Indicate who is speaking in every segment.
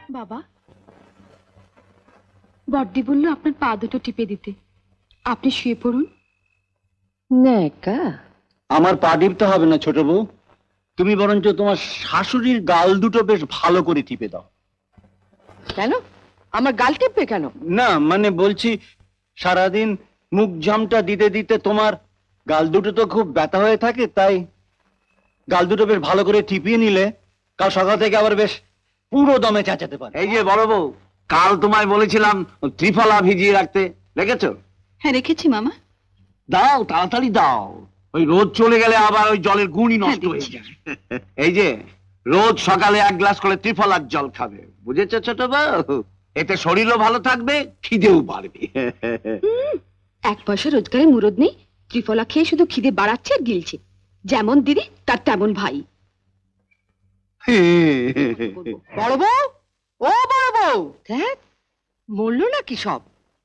Speaker 1: বাবা, বড়দি বলল আপনার পা দুটো টিপে দিতে। আপনি শুয়ে পড়ুন।
Speaker 2: নেকা,
Speaker 3: আমার পা টিপতে হবে না ছোট বউ, তুমি বরঞ্চ তোমার শাশুড়ির গাল দুটো বেশ ভালো করে টিপে দাও।
Speaker 2: কেন আমার গাল টিপবে কেন?
Speaker 3: না মানে বলছি, সারাদিন মুখ জামটা দিতে দিতে তোমার গাল দুটো তো খুব ব্যথা হয়ে থাকে, তাই গাল দুটো বেশ ভালো করে টিপিয়ে নিলে কাল সকাল থেকে আবার বেশ পুরো দমে চেঁচাতে পারে।
Speaker 4: এই যে বড় বউ, কাল তোমায় বলেছিলাম ত্রিফলা ভিজিয়ে রাখতে, রেখেছো?
Speaker 1: হ্যাঁ রেখেছি মামা।
Speaker 4: দাও, তাড়াতাড়ি দাও, ওই রোদ চলে গেলে আবার ওই জলের গুণই নষ্ট হয়ে যায়। এই যে রোজ সকালে 1 গ্লাস করে ত্রিফলার জল খাবে, বুঝেছো ছোট বউ? এতে শরীরও ভালো থাকবে, খিদেও বাড়বে।
Speaker 1: 1 পয়সা রোজগারে মুরদ নেই, ত্রিফলা খেয়ে শুধু খিদে বাড়াচ্ছে আর গিলছে। যেমন দিদি তার তেমন ভাই।
Speaker 2: বড় বউ, ও বড় বউ, দেখ মরলো নাকি সব?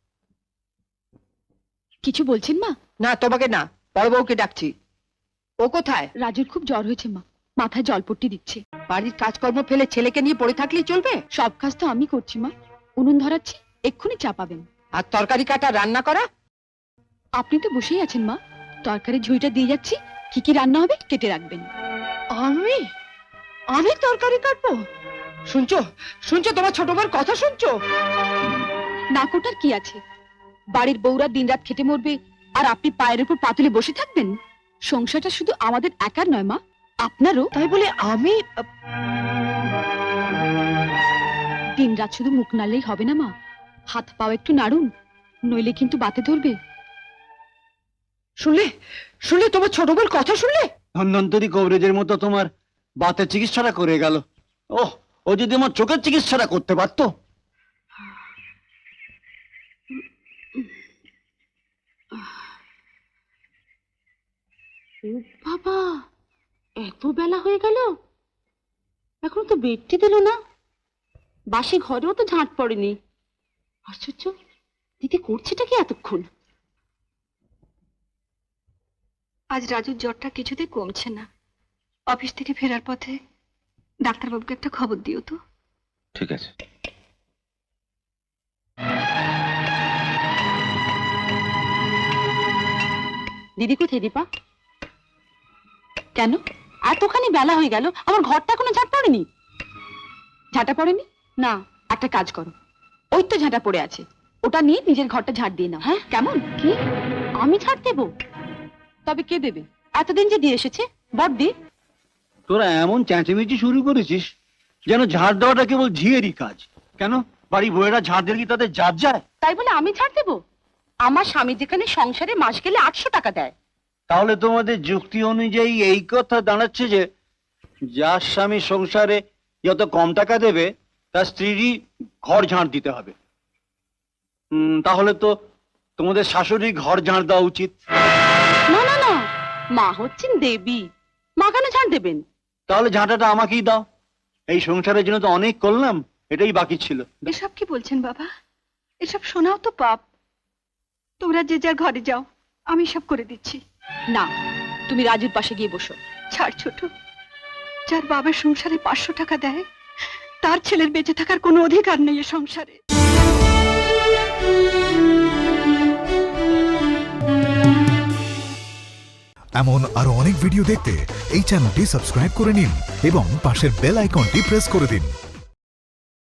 Speaker 1: কিছু বলছেন মা?
Speaker 2: না তোমাকে না, বড় বউকে ডাকছি। ও কোথায়?
Speaker 1: রাজুর খুব জ্বর হয়েছে মা, মাথায় জলপট্টি দিচ্ছে।
Speaker 2: বাড়ির কাজকর্ম ফেলে ছেলেকে নিয়ে পড়ে থাকলেই চলবে?
Speaker 1: সব কাজ তো আমি করছি মা। উনুন ধরাচ্ছি, এক্ষুনি চা পাবেন।
Speaker 2: আর তরকারি কাটা, রান্না করা?
Speaker 1: আপনি তো বসেই আছেন মা, তরকারি ঝুড়িটা দিয়ে যাচ্ছি, কি কি রান্না হবে কেটে রাখবেন।
Speaker 2: আমি আমি তরকারি কাটবো? শুনছো শুনছো, তোমার ছোট বউর কথা শুনছো?
Speaker 1: না কোটার কি আছে, বাড়ির বউরা দিনরাত খেটে মরবে আর আপনি পায়ের উপর পা তুলে বসে থাকবেন? সংসারটা শুধু আমাদের একার নয় মা, আপনারও।
Speaker 2: তাই বলে আমি
Speaker 1: দিনরাত শুধু মুখ নাড়লেই হবে না মা, হাত পাও একটু নাড়ুন, নইলে কিন্তু বাতে ধরবে।
Speaker 2: শুনলে শুনলে, তোমার ছোট বউর কথা শুনলে?
Speaker 3: ধন্বন্তরী কবরেজের মতো তোমার বাতের চিকিৎসাটা করে গেল। ওহ, ও যদি আমার চোখের চিকিৎসাটা করতে পারতো।
Speaker 1: বাবা, এত বেলা হয়ে গেল, এখন তো বেডটি দিল না। বাসি ঘরেও তো ঝাঁট পড়েনি। আশ্চর্য, দিদি করছেটা কি এতক্ষণ? আজ রাজুর জ্বরটা কিছুতেই কমছে না। অফিস থেকে ফেরার পথে ডাক্তারবাবুকে একটা খবর দিও তো।
Speaker 4: ঠিক আছে।
Speaker 1: দিদি কোথায় দীপা? কেন এতখানি বেলা হয়ে গেল, আমার ঘরটা এখনো ঝাঁট পড়েনি? ঝাঁটা পড়েনি না, একটা কাজ করো, ওই তো ঝাঁটা পড়ে আছে, ওটা নিয়ে নিজের ঘরটা ঝাঁট দিয়ে নাও। হ্যাঁ কেমন? কি আমি ঝাঁট দেবো? তবে কে দেবে? এতদিন যে দিয়ে এসেছে বড়দি।
Speaker 3: তোরা এমন চেঁচামেচি শুরু করেছিস যেন ঝাড় দেওয়াটা কেবল ঝিয়েরই কাজ। কেন বাড়ি বউয়েরা ঝাড় দিলে কি তাদের জাত যায়?
Speaker 1: তাই বলে আমি ঝাড় দেবো? আমার স্বামী যেখানে সংসারে মাস গেলে 800 টাকা দেয়।
Speaker 3: তাহলে তোমাদের যুক্তি অনুযায়ী এই কথা দাঁড়াচ্ছে যে যার স্বামী সংসারে যত কম টাকা দেবে তার স্ত্রীরই ঘর ঝাড় দিতে হবে। তাহলে তো তোমাদের শাশুড়ি ঘর ঝাড় দেওয়া উচিত।
Speaker 1: না না না, মা হচ্ছেন দেবী, মা কেন ঝাড় দেবেন?
Speaker 3: তাহলে ঝাঁটাটা আমাকেই দাও, এই সংসারের জন্য তো অনেক করলাম, এটাই বাকি ছিল।
Speaker 1: এসব কি বলছেন বাবা? এসব শোনাও তো পাপ। তোমরা যে যার ঘরে যাও, আমি সব করে দিচ্ছি। না, তুমি রাজুর পাশে গিয়ে বসো। ছাড় ছোট, যার বাবার সংসারে 500 টাকা দেয়, তার ছেলের বেঁচে থাকার কোনো অধিকার নেই এ সংসারে।
Speaker 5: এমন আরো অনেক ভিডিও দেখতে এই চ্যানেলটি সাবস্ক্রাইব করে নিন এবং পাশের বেল আইকনটি প্রেস করে দিন।